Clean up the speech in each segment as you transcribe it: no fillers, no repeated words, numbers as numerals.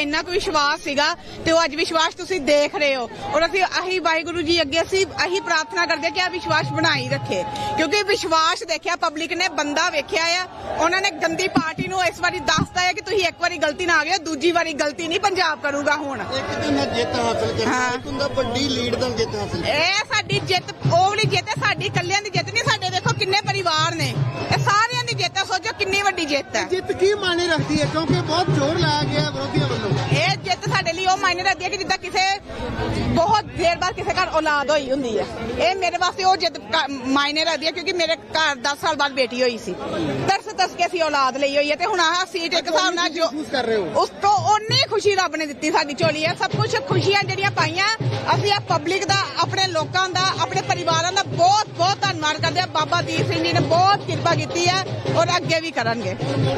ਇੰਨਾ ਕੁ ਵਿਸ਼ਵਾਸ ਸੀਗਾ ਤੇ ਉਹ ਅੱਜ ਵਿਸ਼ਵਾਸ ਤੁਸੀਂ ਦੇਖ ਰਹੇ ਹੋ। ਔਰ ਅਸੀਂ ਵਾਹਿਗੁਰੂ ਜੀ ਅੱਗੇ ਅਸੀਂ ਪ੍ਰਾਰਥਨਾ ਕਰਦੇ ਕਿ ਆ ਵਿਸ਼ਵਾਸ ਬਣਾਈ ਰੱਖੇ, ਕਿਉਂਕਿ ਵਿਸ਼ਵਾਸ ਦੇਖਿਆ ਪਬਲਿਕ ਨੇ, ਬੰਦਾ ਵੇਖਿਆ ਆ। ਉਹਨਾਂ ਨੇ ਗੰਦੀ ਪਾਰਟੀ ਨੂੰ ਇਸ ਵਾਰੀ ਦੱਸਤਾ ਹੈ ਕਿ ਤੁਸੀਂ ਇੱਕ ਵਾਰੀ ਗਲਤੀ ਨਾ ਆ ਗਏ, ਦੂਜੀ ਵਾਰੀ ਗਲਤੀ ਨਹੀਂ ਪੰਜਾਬ ਕਰੂਗਾ। ਹੁਣ ਇੱਕ ਦਿਨ ਜਿੱਤ ਹਾਸਲ ਕਰਨਾ, ਇੱਕ ਹੁੰਦਾ ਵੱਡੀ ਲੀਡ ਨਾਲ ਜਿੱਤ ਹਾਸਲ। ਇਹ ਸਾਡੀ ਜਿੱਤ ਉਹ ਵਾਲੀ ਜਿੱਤ ਹੈ, ਸਾਡੀ ਕੱਲਿਆਂ ਦੀ ਜਿੱਤ ਨਹੀਂ। ਸਾਡੇ ਦੇਖੋ ਕਿੰਨੇ ਪਰਿਵਾਰ ਨੇ, ਇਹ ਸਾਰਿਆਂ ਦੀ ਜਿੱਤ ਹੈ। ਸੋਚੋ ਕਿੰਨੀ ਵੱਡੀ ਜਿੱਤ ਹੈ। ਜਿੱਤ ਕੀ ਮਾਇਨੇ ਰੱਖਦੀ ਹੈ, ਕਿਉਂਕਿ ਬਹੁਤ ਜ਼ੋਰ ਲਾਇਆ ਗਿਆ ਵਿਰੋਧੀਆਂ ਵੱਲੋਂ। ਇਹ ਜਿੱਤ ਸਾਡੇ ਲਈ ਉਹ ਮਾਇਨੇ ਰੱਖਦੀ ਹੈ ਕਿ ਜਿੱਦਾਂ ਕਿਸੇ ਬਹੁਤ ਦੇਰ ਬਾਅਦ ਕਿਸੇ ਘਰ ਔਲਾਦ ਹੋਈ ਹੁੰਦੀ ਹੈ। ਇਹ ਮੇਰੇ ਵਾਸਤੇ ਉਹ ਜਿੱਤ ਮਾਇਨੇ ਰੱਖਦੀ ਹੈ, ਕਿਉਂਕਿ ਮੇਰੇ ਘਰ 10 ਸਾਲ ਬਾਅਦ ਬੇਟੀ ਹੋਈ ਸੀ। ਤਰਸ ਕੇ ਅਸੀਂ ਔਲਾਦ ਲਈ ਹੋਈ ਹੈ ਤੇ ਹੁਣ ਆਹ ਸੀਟ ਇੱਕ ਹਿਸਾਬ ਨਾਲ ਜੋ ਕਰ ਰਹੇ ਹੋ ਉਸ ਤੋਂ ਓਨੀ ਖੁਸ਼ੀ ਰੱਬ ਨੇ ਦਿੱਤੀ ਸਾਡੀ ਝੋਲੀ ਹੈ। ਸਭ ਕੁਝ ਖੁਸ਼ੀਆਂ ਜਿਹੜੀਆਂ ਪਾਈਆਂ ਅਸੀਂ ਆ ਪਬਲਿਕ ਦਾ, ਆਪਣੇ ਲੋਕਾਂ ਦਾ, ਆਪਣੇ ਪਰਿਵਾਰਾਂ ਦਾ ਬਹੁਤ ਬਹੁਤ ਧੰਨਵਾਦ ਕਰਦੇ ਆ। ਬਾਬਾ ਦੀਪ ਸਿੰਘ ਜੀ ਨੇ ਬਹੁਤ ਕਿਰਪਾ ਕੀਤੀ ਹੈ ਔਰ ਅੱਗੇ ਵੀ ਕਰਨਗੇ।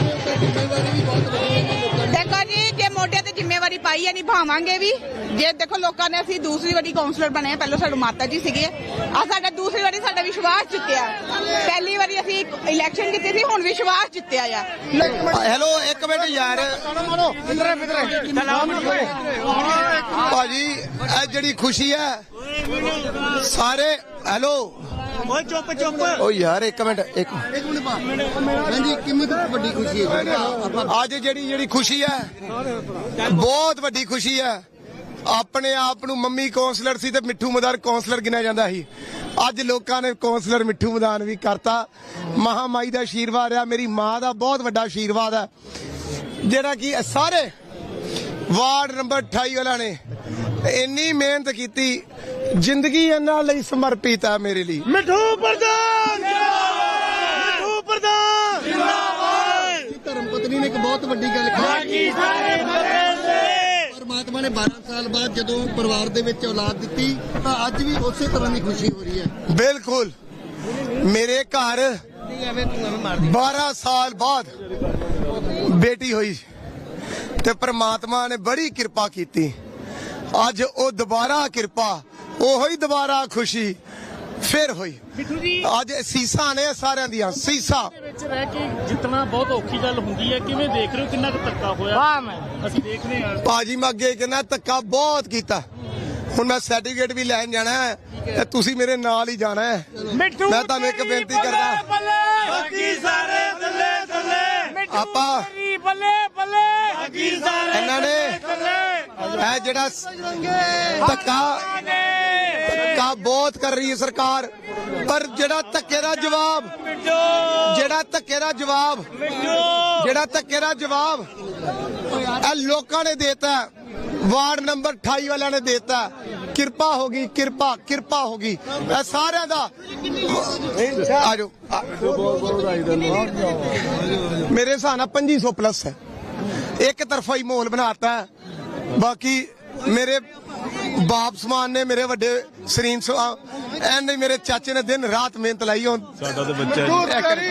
ਦੇਖੋ ਜੀ, ਜੇ ਮੋਢੇ ਤੇ ਜ਼ਿੰਮੇਵਾਰੀ ਪਾਈ ਹੈ ਨਿਭਾਵਾਂਗੇ ਵੀ। ਜੇ ਦੇਖੋ ਲੋਕਾਂ ਨੇ, ਅਸੀਂ ਦੂਸਰੀ ਵਾਰੀ ਕਾਉਂਸਲਰ ਬਣੇ, ਪਹਿਲਾਂ ਸਾਡੇ ਮਾਤਾ ਜੀ ਸੀਗੇ, ਆ ਸਾਡਾ ਦੂਸਰੀ ਵਾਰੀ ਸਾਡਾ ਵਿਸ਼ਵਾਸ ਜਿੱਤਿਆ। ਪਹਿਲੀ ਵਾਰੀ ਅਸੀਂ ਇਲੈਕਸ਼ਨ ਜਿੱਤੇ ਸੀ, ਹੁਣ ਵਿਸ਼ਵਾਸ ਜਿੱਤਿਆ ਆ। ਹੈਲੋ ਇੱਕ ਮਿੰਟ ਯਾਰ ਭਾਜੀ, ਇਹ ਜਿਹੜੀ ਖੁਸ਼ੀ ਹੈ ਸਾਰੇ, ਹੈਲੋ ਓਏ ਚੁੱਪ ਓ ਯਾਰ ਇੱਕ ਮਿੰਟ ਹਾਂਜੀ, ਕਿੰਨੀ ਵੱਡੀ ਖੁਸ਼ੀ ਹੈ ਅੱਜ ਜਿਹੜੀ ਖੁਸ਼ੀ ਹੈ, ਬਹੁਤ ਵੱਡੀ ਖੁਸ਼ੀ ਹੈ। ਆਪਣੇ ਆਪ ਨੂੰ ਮੰਮੀ ਕੌਂਸਲਰ ਸੀ ਤੇ ਮਿੱਠੂ ਮਦਾਨ ਕੌਂਸਲਰ ਗਿਣਿਆ ਜਾਂਦਾ ਸੀ। ਅੱਜ ਲੋਕਾਂ ਨੇ ਕੌਂਸਲਰ ਮਿੱਠੂ ਮਦਾਨ ਵੀ ਕਰਤਾ। ਮਹਾਮਾਈ ਦਾ ਆਸ਼ੀਰਵਾਦ ਆ, ਮੇਰੀ ਮਾਂ ਦਾ ਬਹੁਤ ਵੱਡਾ ਆਸ਼ੀਰਵਾਦ ਹੈ, ਜਿਹੜਾ ਕਿ ਸਾਰੇ ਵਾਰਡ ਨੰਬਰ 28 ਵਾਲਿਆਂ ਨੇ ਇੰਨੀ ਮਿਹਨਤ ਕੀਤੀ। ਜ਼ਿੰਦਗੀ ਇਹਨਾਂ ਲਈ ਸਮਰਪਿਤ ਹੈ ਮੇਰੇ ਲਈ। ਮਿੱਠੂ ਪ੍ਰਧਾਨ ਜਿੰਦਾਬਾਦ, ਮਿੱਠੂ ਪ੍ਰਧਾਨ ਜਿੰਦਾਬਾਦ। ਧਰਮ ਪਤਨੀ ਨੇ ਇੱਕ ਬਹੁਤ ਵੱਡੀ ਗੱਲ ਕਹੀ। ਪਰਮਾਤਮਾ ਨੇ 12 ਸਾਲ ਬਾਅਦ ਜਦੋਂ ਪਰਿਵਾਰ ਦੇ ਵਿੱਚ ਔਲਾਦ ਦਿੱਤੀ ਤਾਂ ਅੱਜ ਵੀ ਉਸੇ ਤਰ੍ਹਾਂ ਦੀ ਖੁਸ਼ੀ ਹੋ ਰਹੀ ਹੈ। ਬਿਲਕੁਲ, ਮੇਰੇ ਘਰ 12 ਸਾਲ ਬਾਅਦ ਬੇਟੀ ਹੋਈ ਤੇ ਪਰਮਾਤਮਾ ਨੇ ਬੜੀ ਕਿਰਪਾ ਕੀਤੀ। ਅੱਜ ਉਹ ਦੁਬਾਰਾ ਕਿਰਪਾ, ਉਹੀ ਦੁਬਾਰਾ ਖੁਸ਼ੀ ਫਿਰ ਹੋਈ। ਅੱਜ ਸੀਸਾਂ ਨੇ ਸਾਰਿਆਂ ਦੀਆਂ ਸੀਸਾਂ ਵਿੱਚ ਰਹਿ ਕੇ ਜਿੱਤਣਾ ਬਹੁਤ ਔਖੀ ਗੱਲ ਹੁੰਦੀ ਹੈ। ਕਿਵੇਂ ਦੇਖ ਰਹੇ ਹੋ, ਕਿੰਨਾ ਕੁ ਧੱਕਾ ਹੋਇਆ? ਅਸੀਂ ਦੇਖ ਰਹੇ ਹਾਂ ਭਾਜੀ, ਮੈਂ ਅੱਗੇ ਕਹਿੰਦਾ ਧੱਕਾ ਬਹੁਤ ਕੀਤਾ। ਹੁਣ ਮੈਂ ਸਰਟੀਫਿਕੇਟ ਵੀ ਲੈਣ ਜਾਣਾ ਹੈ ਤੇ ਤੁਸੀਂ ਮੇਰੇ ਨਾਲ ਹੀ ਜਾਣਾ ਹੈ। ਮੈਂ ਤੁਹਾਨੂੰ ਇੱਕ ਬੇਨਤੀ ਕਰਦਾ, ਬਾਕੀ ਸਾਰੇ ਥੱਲੇ ਥੱਲੇ, ਆਪਾਂ ਬੱਲੇ ਬੱਲੇ, ਬਾਕੀ ਸਾਰੇ ਇਹਨਾਂ ਨੇ ਇਹ ਜਿਹੜਾ ਧੱਕਾ ਬਹੁਤ ਕਰ ਰਹੀ ਹੈ ਸਰਕਾਰ, ਪਰ ਜਿਹੜਾ ਧੱਕੇ ਦਾ ਜਵਾਬ ਇਹ ਲੋਕਾਂ ਨੇ ਦੇਤਾ। ਵਾਰਡ ਨੰਬਰ 28 ਵਾਲਿਆਂ ਨੇ ਦੇਤਾ। ਕਿਰਪਾ ਹੋ ਗਈ, ਕਿਰਪਾ ਹੋ ਗਈ ਇਹ ਸਾਰਿਆਂ ਦਾ। ਆਜੋ, ਮੇਰੇ ਹਿਸਾਬ ਨਾਲ 2500 ਪਲੱਸ ਹੈ। ਇੱਕ ਤਰਫਾ ਹੀ ਮਾਹੌਲ ਬਣਾਤਾ। ਬਾਕੀ ਮੇਰੇ ਬਾਪ ਸਮਾਨ ਨੇ, ਮੇਰੇ ਵੱਡੇ ਸਰੀਨ ਐਨ ਮੇਰੇ ਚਾਚੇ ਨੇ ਦਿਨ ਰਾਤ ਮਿਹਨਤ ਲਾਈ। ਹੁਣ ਸਾਡਾ ਤਾਂ ਬੱਚਾ